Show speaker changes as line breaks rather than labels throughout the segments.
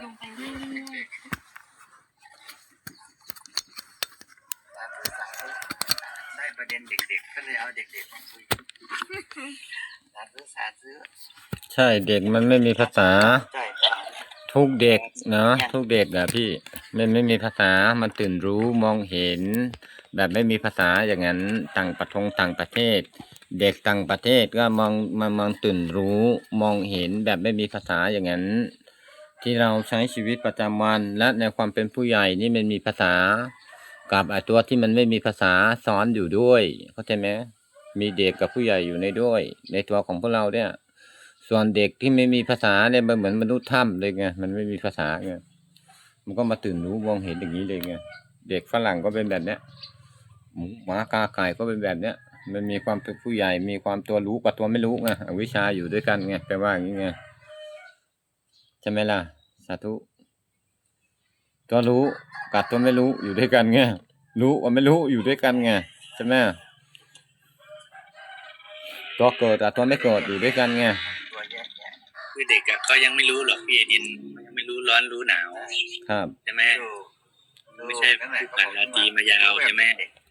ลงไปเรื่อย
ๆได้ประเด็นเด็กๆก็เลยเอาเด็กๆมาคุยสาธุ
ใช่เด็กมันไม่มีภาษา
ใช่
ทุกเด็กเนาะทุกเด็กอะพี่มันไม่มีภาษามันตื่นรู้มองเห็นแบบไม่มีภาษาอย่างนั้นต่างประเทศเด็กต่างประเทศก็มองตื่นรู้มองเห็นแบบไม่มีภาษาอย่างนั้นที่เราใช้ชีวิตประจำวันและในความเป็นผู้ใหญ่นี่มันมีภาษากับไอ้ตัวที่มันไม่มีภาษาซ้อนอยู่ด้วยเข้าใจไหมมีเด็กกับผู้ใหญ่อยู่ในด้วยในตัวของพวกเราเนี่ยส่วนเด็กที่ไม่มีภาษาเนี่ยมันเหมือนมนุษย์ถ้ำเลยไงมันไม่มีภาษาไงมันก็มาตื่นรู้มองเห็นอย่างนี้เลยไงเด็กฝรั่งก็เป็นแบบเนี้ยหมูหมากาไก่ก็เป็นแบบเนี้ยมันมีความเป็นผู้ใหญ่มีความตัวรู้กับตัวไม่รู้ไงอวิชชาอยู่ด้วยกันไงแปลว่าอย่างนี้ไงใช่ไหมล่ะสาธุตัวรู้กับตัวไม่รู้อยู่ด้วยกันไงรู้กับไม่รู้อยู่ด้วยกันไงใช่ไหมตัวเกิดกับตัวไม่เกิดอยู่ด้วยกันไง
คือเด็กก็ยังไม่รู้หรอกพี่ดินยังไม่รู้ร้อนรู้หนาว
ครับ
ใช่ไหมไม่ใช่ผู้ผ่านราตรีมายาวใช่ไหม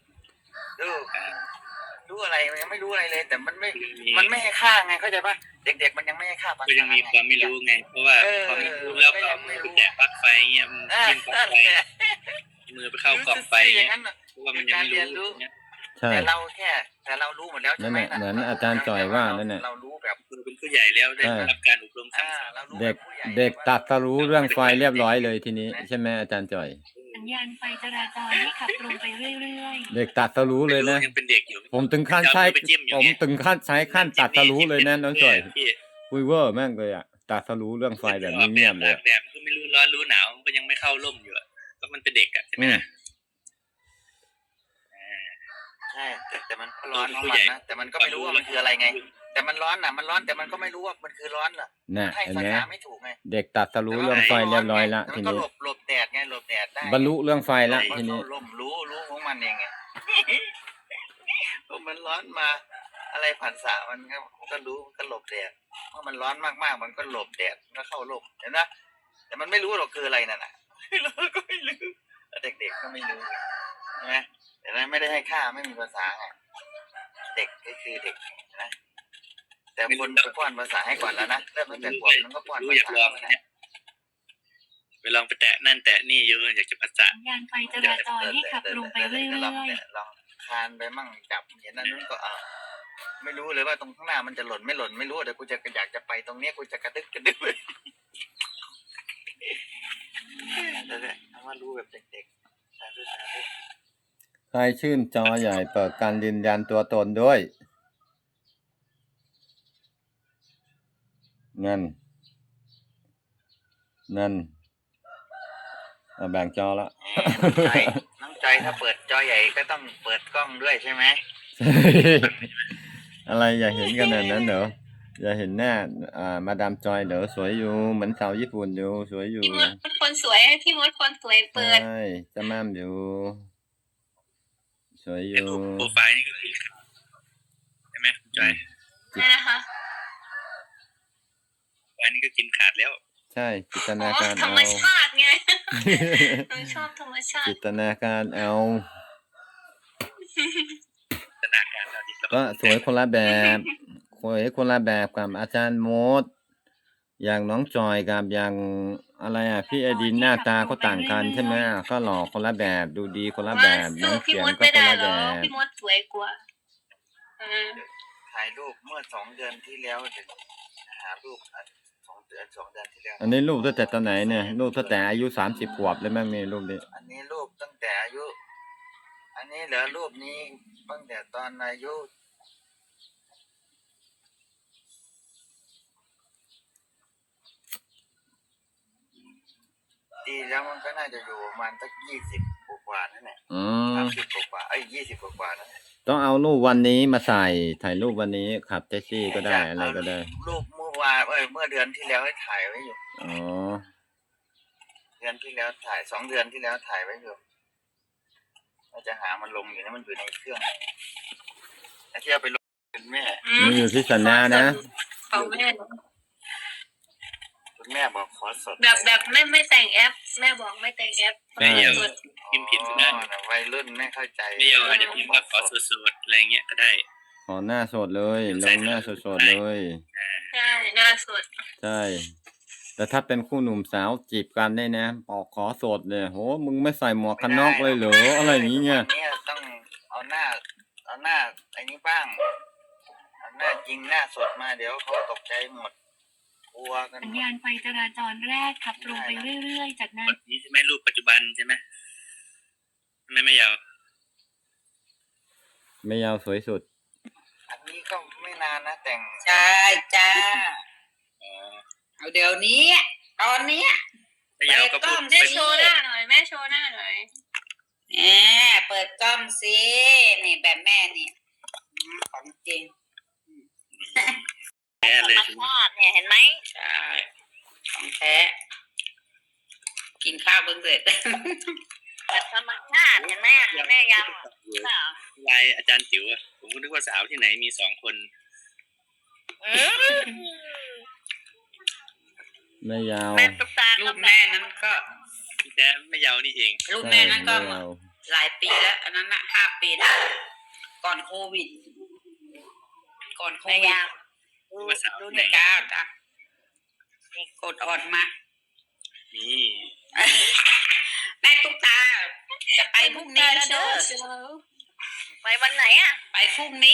รู้อะไรมันยังไม่รู้อะไรเลยแต่มันไม่ให้ค่าไงเข้าใจปะเด็กๆมันยังไม่ให้ค่าภาษา
ก็ยังมีความไม่รู้ไงเพราะว่าพอไม่รู้แล้วก็ไปแตะปลั๊กไฟเงี้ยมันจิ้มปลั๊กไฟมือไปเข้ากล่องไฟเงี้ยเพราะว่ามันยังไม่รู้
แต่
เรารู้หมดแล้วใช่ไหม
เหมือนอาจารย์จ่อยว่านั่นแหละ
เรารู้แบบ
เป็นผู้ใหญ่แล้วได้รับการอบรมสั่งสอน
เด็กตัดรู้เรื่องไฟเรียบร้อยเลยทีนี้ใช่ไหมอาจารย์จ่อย
สัญญาณไฟจราจรให้ขับตรงไปเรื่อย
ๆเด็กตัดรู้เลยนะ
ยังเป็นเด็กอยู่
ผมถึงขั้นใช้ขั้นตัดรู้เลยนะน้องจ่อยคุยเวอร์แม่งเลยอ่ะตัดรู้เรื่องไฟแบบเงียบเลย
แบบก็ไม่รู้ร้อนรู้หนาวมันก็ยังไม่เข้าร่มอยู่ก็มันเป็นเด็กอ่ะใช่ไหม
ใช่แต่มันร้อนของมันนะแต่มันก็ไม่รู้ว่ามันคืออะไรไงแต่มันร้อนมันร้อนแต่มันก็ไม่รู้ว่ามันคือร้อนเหรอให้ภาษาไม่ถูกไง
เด็กตัดรู้เรื่องไฟเรียบร้อยละทีนี้
หลบแดดไงหลบแดดได้
บรรลุเรื่องไฟละทีนี้
รู้ของมันเองไงมันร้อนมาอะไรผัสสะมันก็รู้ก็หลบแดดเมื่อมันร้อนมากๆมันก็หลบแดดก็เข้าร่มเห็นไหมแต่มันไม่รู้หรอกคืออะไรนั่นน่ะเราก็ไม่รู้เด็กๆก็ไม่รู้ใช่ไหมแต่นั้นไม่ได้ให้ค่าไม่มีภาษาไงเด็กก็คือเด็กนะแต่คนไปป้อนภาษาให้ก่อนแล้วนะเริ่มตั้งแต่ขวบมันก็ป้อนภาษา
ไปลองไปแตะนั่นแตะนี่เยอะอยากจะภาษา
สัญญาณไฟจราจรให้ขับลงไปเรื่อย
ๆลองคานไปมั่งจับอย่างนั้นนู้นก็ไม่รู้เลยว่าตรงข้างหน้ามันจะหล่นไม่หล่นไม่รู้แต่กูจะอยากจะไปตรงนี้กูจะกระดึกเลยเอาว่ารู้แบบเด็กๆ
ใครชื่นจอใหญ่เปิดการยืนยันตัวตนด้วยนั่นแบ่งจอละ
น้องใจถ้าเปิดจอใหญ่ก็ต้องเปิดกล้องด้วยใช่ไหม
อะไรอย่าเห็นขนาดนั้นเหรออย่าเห็นหน้ามาดามจอยเหรอสวยอยู่เหมือนสาวญี่ปุ่นอยู่สวยอยู่
พี่มดคนสวยพี่มดคนสวยเปิด
ใช่จะม่ามอยู่สวยอยู่
โปรไฟล์นี่ก็คือใช่ไหมจอย
นะคะ
อันนี้ก็กินขาดแล้ว
ใช่จินตนาการ
ธรรมชาติไงชอบธรรมชาติ
จินตนาการเอาก็สวยคนละแบบกับอาจารย์โมดอย่างน้องจอยกับอย่างอะไรพี่ไอดินหน้าตาก็ต่างกันใช่ไหมก็หล่อคนละแบบดูดีคนละแบบน้องเสียงก็คนละแบบ
พี่มดสวยกว่า
ถ่ายรูปเมื่อ2 เดือนที่แล้วหารูป2 เดือนที่แล้ว
อันนี้รูปตั้งแต่ตอนไหนเนี่ยรูปตั้งแต่อายุ30 ขวบเลยมั้งนี่รูปนี้
อันนี้รูปตั้งแต่อายุอันนี้เหลือรูปนี้ตั้งแต่ตอนอายุดีแล้วมันก็น่าจะอยู่ประมาณสัก20 กว่านั่นแหละ30 กว่า20 กว่านั่นแหละ
ต้องเอารูปวันนี้มาใส่ถ่ายรูปวันนี้ขับแท็กซี่ก็ได้อะไรก็ได้
รูปเมื่อวานเมื่อเดือนที่แล้วให้ถ่ายไว้อยู่เดือนที่แล้วถ่าย2 เดือนที่แล้วถ่ายไว้อยู่เราจะหามันลงอยู่นะมันอยู่ในเครื่องไอ้ที่เอาไปลงเป็นแม่
มันอยู่ที่สัญญานะ
คุณแม่บอกขอสด
แบบไม่แต่งแอป แม่บอกไม่แต่งแอป
ไม่ยาวพิมพ์ผิดก็ได้
วัยรุ่นไม่เข้าใจ
ไม่ยาวอาจจะพิมพ์ว่าขอสดๆอะไรเงี้ยก็ได้
ขอหน้าสดเลยลงหน้าสดๆเลย
ใช่หน้าสด
ใช่ แต่ถ้าเป็นคู่หนุ่มสาวจีบกันได้นะบอกขอสดเลยโหมึงไม่ใส่หมวกกันน็อกเลยเหรออะไรอย่างเงี้ย
วันนี้ต้องเอาหน้าไอ้นี้บ้างเอาหน้าจริงหน้าสดมาเดี๋ยวเขาตกใจหมดกลัวกันห
สัญ
มด
ญาณไฟจราจรแรกขับตรงไปเรื่อยๆ จากนั้น
นี่ใช่ไหมรูปปัจจุบันใช่ไหมไม่ยาว
ไม่ยาวสวยสุด
อันนี้ก็ไม่นานนะแต่ง
ใช่จ้า
อ๋อ
เอาเดี๋ยวนี้ ตอนเนี้ย
ไม่ยาวก็พูด
แม่
แม่โชว์หน้าหน่อย แม่โชว์หน้าหน่อย
แหมเปิดกล้องสินี่แบบแม่นี่ของจริง
แย่เลยใช่ไหม
เนี่ยเห็นไหม
ใช่ของแท้กินข้าวเพิ่งเสร็จ
แบบธรรมชาติเห็นไหมแม่ยัง
ลายอาจารย์จิ๋วอะผมก็นึกว่าสาวที่ไหนมี2 คน
ไม่ยาว
แม่ตุ๊กตา
ลูกแม่นั้นก็
แท้ไม่ยาวนี่เอง
ลูก
ใช่
แม่นั้นก็
ไม่ยาว
หลายปีแล้ว อันนั้นนะ5 ปีแล้วก่อนโควิด ก่อนโควิด
ว่าสาวที่ไหน
จ้าจ้ากดอ่อนมา
นี่
แม่ตุ๊กตา จะไปพรุ่งนี้แล้วเด้อ
ไปวันไหนอ่ะ
ไปพรุ่งนี้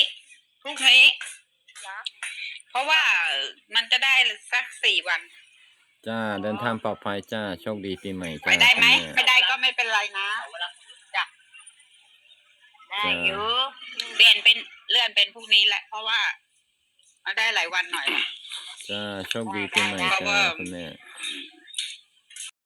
เพราะว่ามันจะได้สัก4 วัน
จ้าเดินทางปลอดภัยจ้าโชคดีปีใหม่จ้า
ไปได้ไหม
คุณแ
ไม่ได้ก็ไม่เป็นไรนะ
ได้อยู่
เลื่อนเป็นพรุ่งนี้แหละ เพราะว่ามันได้หลายวันหน่อย
จ้าโชคดีปีใหม่จ้าคุณแม่